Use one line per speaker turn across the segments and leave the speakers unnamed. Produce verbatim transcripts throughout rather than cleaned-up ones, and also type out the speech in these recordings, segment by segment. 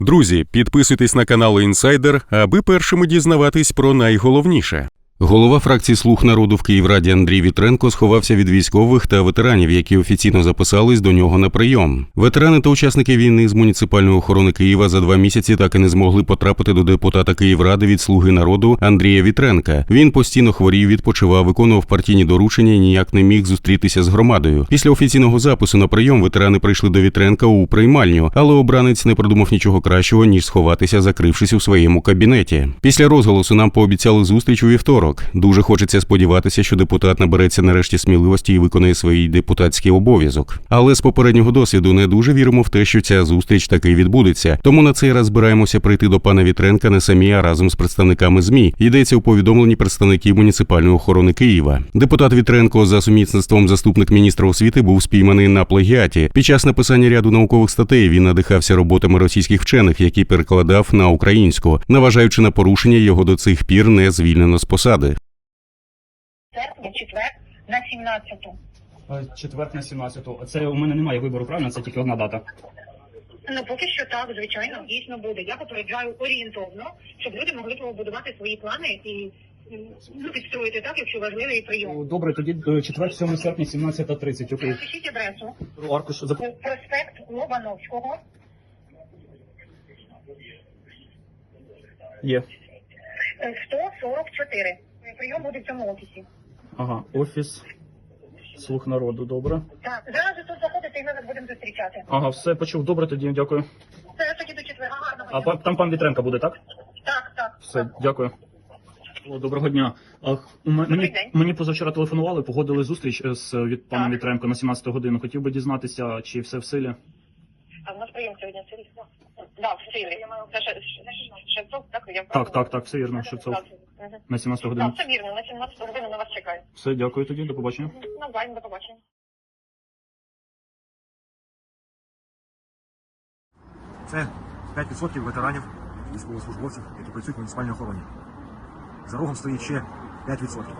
Друзі, підписуйтесь на канал Інсайдер, аби першими дізнаватись про найголовніше. Голова фракції «Слуг народу» в Київраді Андрій Вітренко сховався від військових та ветеранів, які офіційно записались до нього на прийом. Ветерани та учасники війни з муніципальної охорони Києва за два місяці так і не змогли потрапити до депутата Київради від «Слуги народу» Андрія Вітренка. Він постійно хворів, відпочивав, виконував партійні доручення і ніяк не міг зустрітися з громадою. Після офіційного запису на прийом ветерани прийшли до Вітренка у приймальню, але обранець не придумав нічого кращого, ніж сховатися, закрившись у своєму кабінеті. Після розголосу нам пообіцяли зустріч у вівторок. Дуже хочеться сподіватися, що депутат набереться нарешті сміливості і виконає свій депутатський обов'язок. Але з попереднього досвіду не дуже віримо в те, що ця зустріч таки відбудеться. Тому на цей раз збираємося прийти до пана Вітренка не самі, а разом з представниками ЗМІ. Йдеться у повідомленні представників муніципальної охорони Києва. Депутат Вітренко за сумісництвом заступник міністра освіти був спійманий на плагіаті. Під час написання ряду наукових статей він надихався роботами російських вчених, які перекладав на українську. Наважаючи на порушення, його до цих пір не звільнено з посади.
Серпня, четвер на сімнадцяту.
Четвер на сімнадцяту. Це у мене немає вибору, правильно? Це тільки одна дата.
Ну, поки що так, звичайно, дійсно буде. Я попереджаю орієнтовно, щоб люди могли побудувати свої плани і ну, підстроїти так, якщо важливий прийом.
Добре, тоді четвер, сьомого серпня, сімнадцята тридцять. Окей.
Пишіть адресу.
Аркуш.
Проспект Лобановського.
Є.
сто сорок чотири. Прийом буде в цьому офісі.
Ага, офіс «Слуг народу», добре.
Так, зараз ви тут заходите і ми вас будемо зустрічати.
Ага, все, почув. Добре, тоді, дякую.
Це тоді до четверга. Гарного
А
дня.
пан- там пан Вітренко буде, так?
Так, так.
Все, дякую. О, доброго дня. А, у м- мені,
день.
мені позавчора телефонували, погодили зустріч з від пана
Так.
Вітренко на сімнадцяту годину. Хотів би дізнатися, чи все в силі.
А в нас прийом сьогодні в силі? Так, в силі. Це ще- ще- Шевцов, так? Я
Так, так, так, все вірно, Шевцов.
Мгм.
На сімнадцяту годину.
Так, все вірно, на сімнадцяту годину на вас чекаю.
Все, дякую тоді, до побачення.
Навзаєм, до побачення.
Це п'ять відсотків ветеранів, військовослужбовців, які працюють в муніципальній охороні. За рогом стоїть ще п'ять відсотків.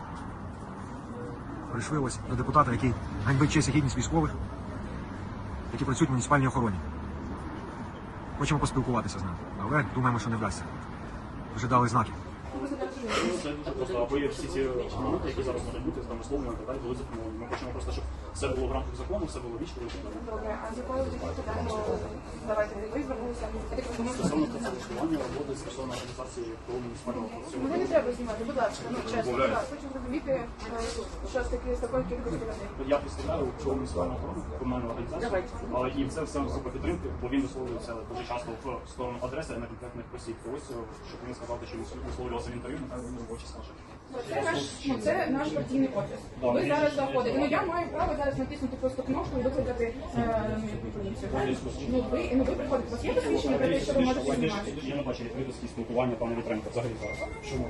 Прийшли ось до депутата, який ганьбить честь і гідність військових, які працюють в муніципальній охороні. Хочемо поспілкуватися з ним, але думаємо, що не вдасться. Вже дали знаки.
Це дуже просто, або є всі ці моменти, які зараз можуть бути з нами словами, і так далі, були заплановані. Ми хочемо просто, щоб все було в рамках закону, все було вічно.
Добре, а з якою тоді питання давайте ви звернулися?
Стосовно працевлаштування, роботи, стосовно організації того муніципального процесу.
Мене не треба знімати, будь ласка, ну чесно, будь ласка, хочу зрозуміти, е, що з таки з такою кількістю людей.
Я представляю цього муніципального охорону, комунальну організацію, але і це все за підтримки, бо він висловлюється дуже часто в сторону адреси на конкретних осіб. То ось, щоб він сказав, що він висловлювався в інтерв'ю, нехай він робочі скаже.
Це наш, ну, це наш партійний офіс. Ви зараз заходите. Ну я маю право зараз натиснути просто кнопку і викликати е, поліцію. правильно? Ну ви, ну ви приходите. У вас є посвідчення про те, що ви можете знімати?
Я не бачу відкритості спілкування пана Вітренка взагалі зараз. Чому?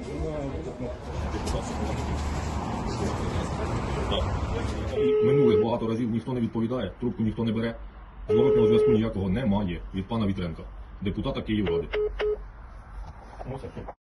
Минулих багато разів ніхто не відповідає, трубку ніхто не бере. Зворотного зв'язку ніякого немає від пана Вітренка, депутата Київради.